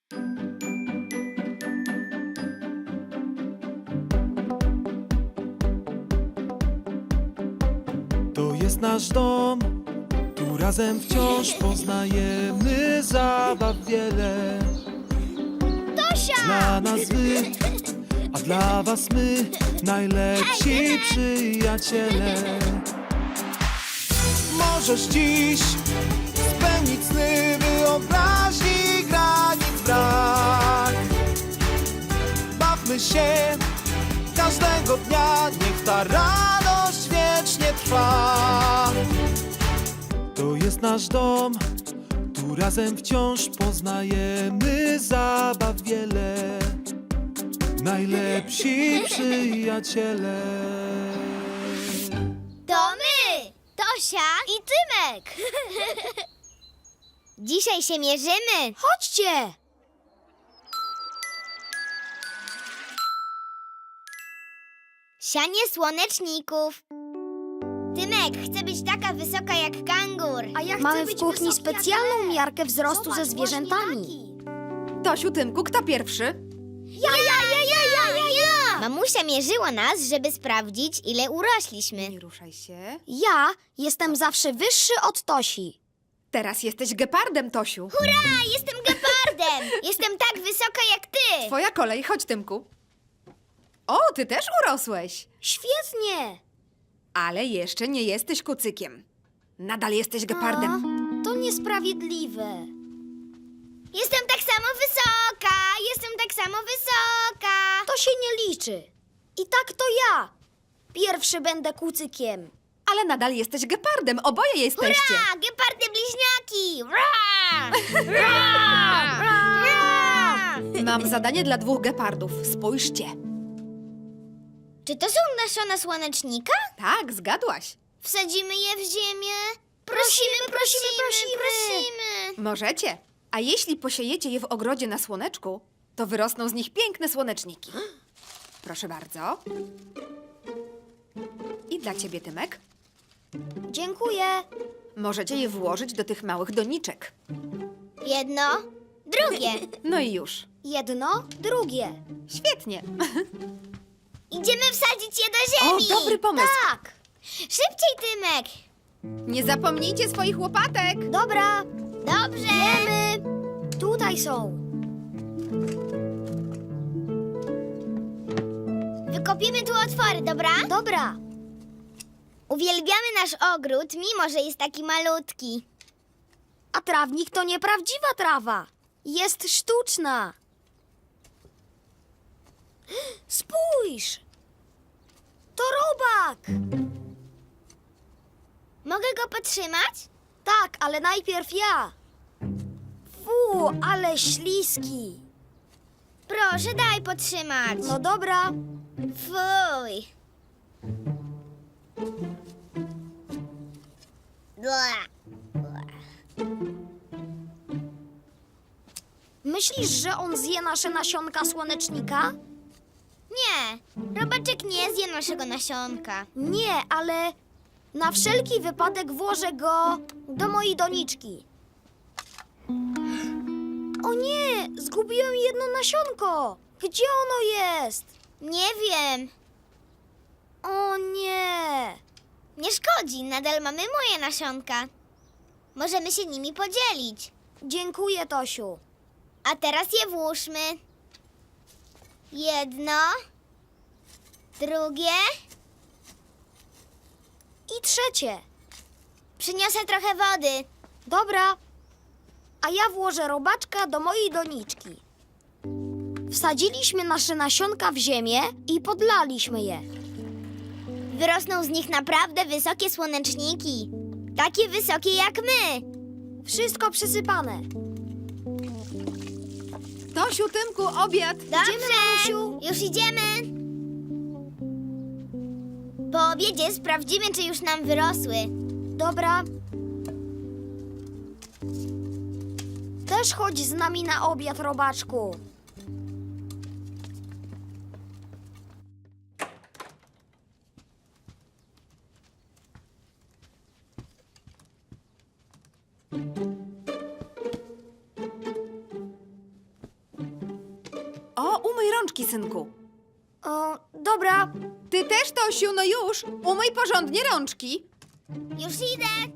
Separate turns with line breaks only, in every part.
To jest nasz dom, tu razem wciąż poznajemy zabaw wiele.
Tosia!
Dla nas wy, a dla was my, najlepsi przyjaciele. Możesz dziś spełnić sny, wyobraźni granic brak. Bawmy się każdego dnia, niech ta radość wiecznie trwa. To jest nasz dom, tu razem wciąż poznajemy zabaw wiele. Najlepsi przyjaciele.
To my! Tosia i Tymek! Dzisiaj się mierzymy! Chodźcie! Sianie słoneczników. Tymek, chcę być taka wysoka jak kangur.
A ja chcę
Mamy
być
w kuchni
wysoki jak
specjalną
lew.
miarkę wzrostu
Zobacz,
ze
właśnie
zwierzętami.
Tosiu, Tymku, kto pierwszy?
Ja! Mamusia mierzyła nas, żeby sprawdzić, ile urośliśmy.
Nie ruszaj się.
Ja jestem zawsze wyższy od Tosi.
Teraz jesteś gepardem, Tosiu.
Hurra, jestem gepardem! Jestem tak wysoka jak ty!
Twoja kolej, chodź, Tymku. O, ty też urosłeś.
Świetnie!
Ale jeszcze nie jesteś kucykiem. Nadal jesteś gepardem.
A, to niesprawiedliwe.
Jestem tak samo wysoka! Jestem tak samo wysoka!
To się nie liczy. I tak to ja. Pierwszy będę kucykiem.
Ale nadal jesteś gepardem, oboje jesteście.
Hurra! Gepardy bliźniaki! Ra! Ra! Ra!
Mam zadanie dla 2 gepardów. Spójrzcie.
Czy to są nasiona słonecznika?
Tak, zgadłaś.
Wsadzimy je w ziemię? Prosimy!
Możecie. A jeśli posiejecie je w ogrodzie na słoneczku, to wyrosną z nich piękne słoneczniki. Proszę bardzo. I dla ciebie, Tymek.
Dziękuję.
Możecie je włożyć do tych małych doniczek.
Jedno, drugie.
No i już.
Jedno, drugie.
Świetnie.
Idziemy wsadzić je do
O,
ziemi!
dobry pomysł.
Tak! Szybciej, Tymek!
Nie zapomnijcie swoich łopatek.
Dobra,
Dobrze!
wiemy. Tutaj są.
Wykopiemy tu otwory, dobra?
Dobra.
Uwielbiamy nasz ogród, mimo że jest taki malutki.
A trawnik to nieprawdziwa trawa. Jest sztuczna. Spójrz! To robak!
Mogę go podtrzymać?
Tak, ale najpierw ja. Fu, ale śliski.
Proszę, daj podtrzymać.
No dobra.
Fuj. Bła.
Myślisz, że on zje nasze nasionka słonecznika?
Nie, robaczek nie zje naszego nasionka.
Nie, ale na wszelki wypadek włożę go do mojej doniczki. O nie, zgubiłem jedno nasionko. Gdzie ono jest?
Nie wiem.
O nie.
Nie szkodzi, nadal mamy moje nasionka. Możemy się nimi podzielić.
Dziękuję, Tosiu.
A teraz je włóżmy. Jedno, drugie.
I trzecie.
Przyniosę trochę wody.
Dobra. A ja włożę robaczka do mojej doniczki. Wsadziliśmy nasze nasionka w ziemię i podlaliśmy je.
Wyrosną z nich naprawdę wysokie słoneczniki. Takie wysokie jak my.
Wszystko przysypane.
Tosiu, Tymku, obiad.
Dobrze,
mamusiu.
już idziemy. Po obiedzie sprawdzimy, czy już nam wyrosły.
Dobra. Też chodź z nami na obiad, robaczku.
umyj rączki, synku.
O, dobra.
Ty też, Tosiu, no już. Umyj porządnie rączki.
Już idę.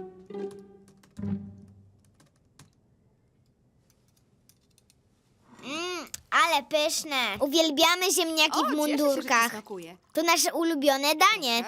Ale pyszne. Uwielbiamy ziemniaki w
Cieszę się, że ci
mundurkach.
smakuje.
To nasze ulubione danie.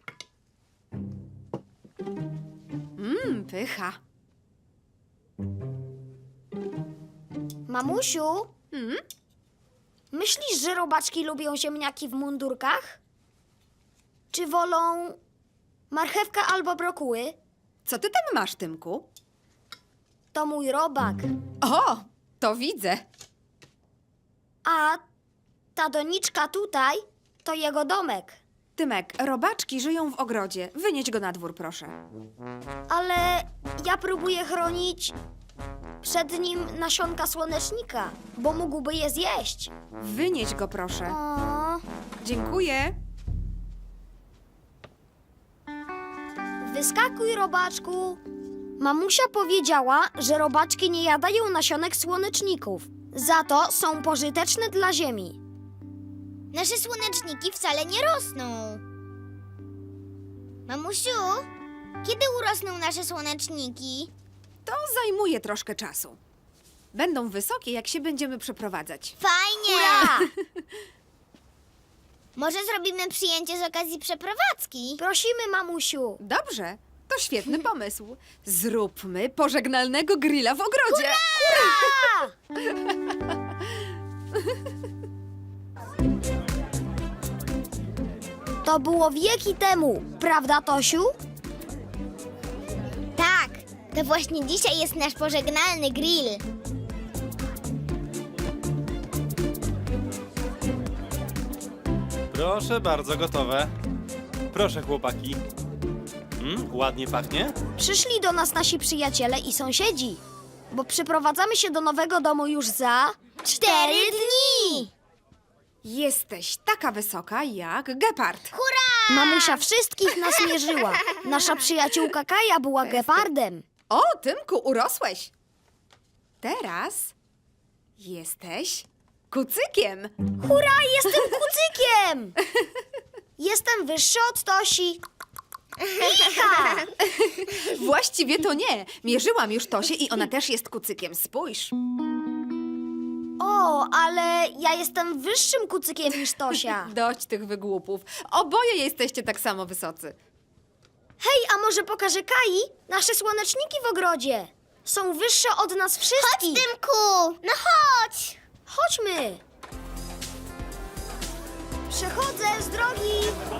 Pycha.
Mamusiu,
Mm?
myślisz, że robaczki lubią ziemniaki w mundurkach? Czy wolą marchewkę albo brokuły?
Co ty tam masz, Tymku?
To mój robak.
O, to widzę.
A ta doniczka tutaj to jego domek.
Tymek, robaczki żyją w ogrodzie. Wynieś go na dwór, proszę.
Ale ja próbuję chronić przed nim nasionka słonecznika, bo mógłby je zjeść.
Wynieś go, proszę.
O,
Dziękuję.
wyskakuj, robaczku. Mamusia powiedziała, że robaczki nie jadają nasionek słoneczników. Za to są pożyteczne dla ziemi.
Nasze słoneczniki wcale nie rosną. Mamusiu, kiedy urosną nasze słoneczniki?
To zajmuje troszkę czasu. Będą wysokie, jak się będziemy przeprowadzać.
Fajnie!
Ura!
Może zrobimy przyjęcie z okazji przeprowadzki?
Prosimy, mamusiu.
Dobrze, to świetny pomysł. Zróbmy pożegnalnego grilla w ogrodzie.
To było wieki temu, prawda, Tosiu?
Tak, to właśnie dzisiaj jest nasz pożegnalny grill.
Proszę bardzo, gotowe. Proszę, chłopaki. Ładnie pachnie?
Przyszli do nas nasi przyjaciele i sąsiedzi, bo przyprowadzamy się do nowego domu już za
4 dni!
Jesteś taka wysoka jak gepard.
Mamusia wszystkich nas mierzyła. Nasza przyjaciółka Kaja była gepardem.
O, Tymku, urosłeś. Teraz jesteś kucykiem.
Hurra, jestem kucykiem! Jestem wyższy od Tosi. Icha!
Właściwie to nie. Mierzyłam już Tosię i ona też jest kucykiem. Spójrz.
O, ale ja jestem wyższym kucykiem niż Tosia.
Dość tych wygłupów. Oboje jesteście tak samo wysocy.
Hej, a może pokażę Kai nasze słoneczniki w ogrodzie? Są wyższe od nas
Chodź,
wszystkich.
Tymku! No chodź!
Chodźmy. Przechodzę z drogi.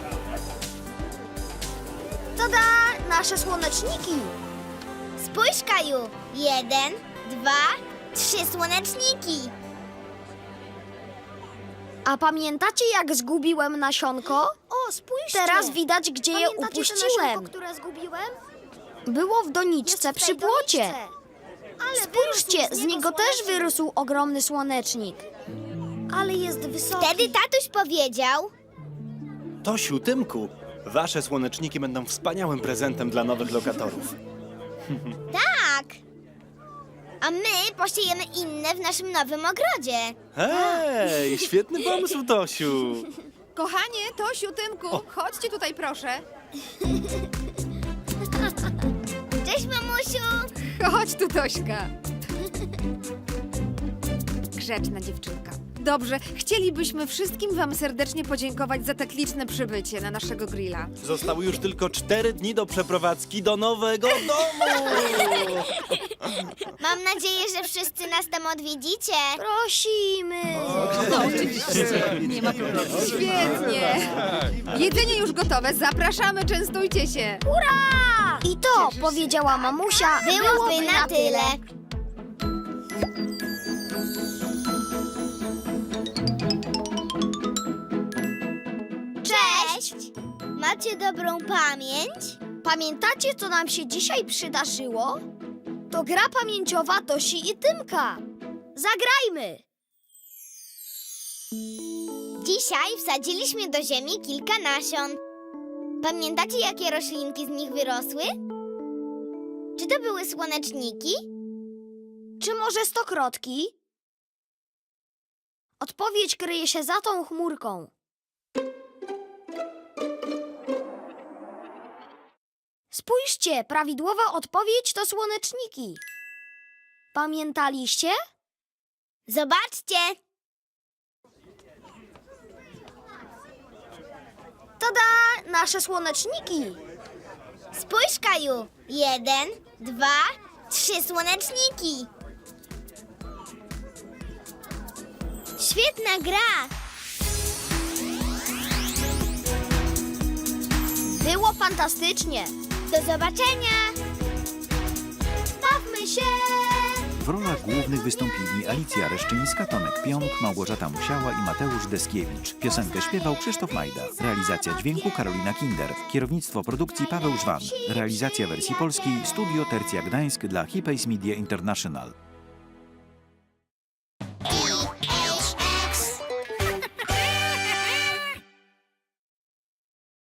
Tada! Nasze słoneczniki.
Spójrz, Kaju. 1, 2, 3 słoneczniki.
A pamiętacie, jak zgubiłem nasionko? O, spójrzcie. Teraz widać, gdzie je upuściłem. które zgubiłem? Było w doniczce przy płocie. Spójrzcie, z niego też wyrósł ogromny słonecznik. Ale jest wysoki.
Wtedy tatuś powiedział...
Tosiu, Tymku, wasze słoneczniki będą wspaniałym prezentem dla nowych lokatorów.
Tak! A my posiejemy inne w naszym nowym ogrodzie.
Hej, świetny pomysł, Tosiu.
Kochanie, Tosiu, Tymku, chodźcie tutaj, proszę.
Cześć, mamusiu!
Chodź tu, Tośka. Grzeczna dziewczynka. Dobrze, chcielibyśmy wszystkim wam serdecznie podziękować za tak liczne przybycie na naszego grilla.
Zostały już tylko 4 dni do przeprowadzki do nowego domu.
Mam nadzieję, że wszyscy nas tam odwiedzicie.
Prosimy.
Nie ma problemu. Świetnie. Jedzenie już gotowe, zapraszamy, częstujcie się.
Hurra! I to, powiedziała mamusia,
Byłoby na tyle. Cześć! Macie dobrą pamięć?
Pamiętacie, co nam się dzisiaj przydarzyło? To gra pamięciowa Tosi i Tymka. Zagrajmy!
Dzisiaj wsadziliśmy do ziemi kilka nasion. Pamiętacie, jakie roślinki z nich wyrosły? Czy to były słoneczniki?
Czy może stokrotki? Odpowiedź kryje się za tą chmurką. Spójrzcie, prawidłowa odpowiedź to słoneczniki. Pamiętaliście?
Zobaczcie!
Tada! Nasze słoneczniki!
Spójrz, Kaju! 1, 2, 3 słoneczniki! Świetna gra!
Było fantastycznie!
Do zobaczenia!
Bawmy się!
W rolach głównych wystąpili Alicja Reszczyńska, Tomek Pionk, Małgorzata Musiała i Mateusz Deskiewicz. Piosenkę śpiewał Krzysztof Majda. Realizacja dźwięku Karolina Kinder. Kierownictwo produkcji Paweł Żwan. Realizacja wersji polskiej Studio Tercja Gdańsk dla Hipays Media International.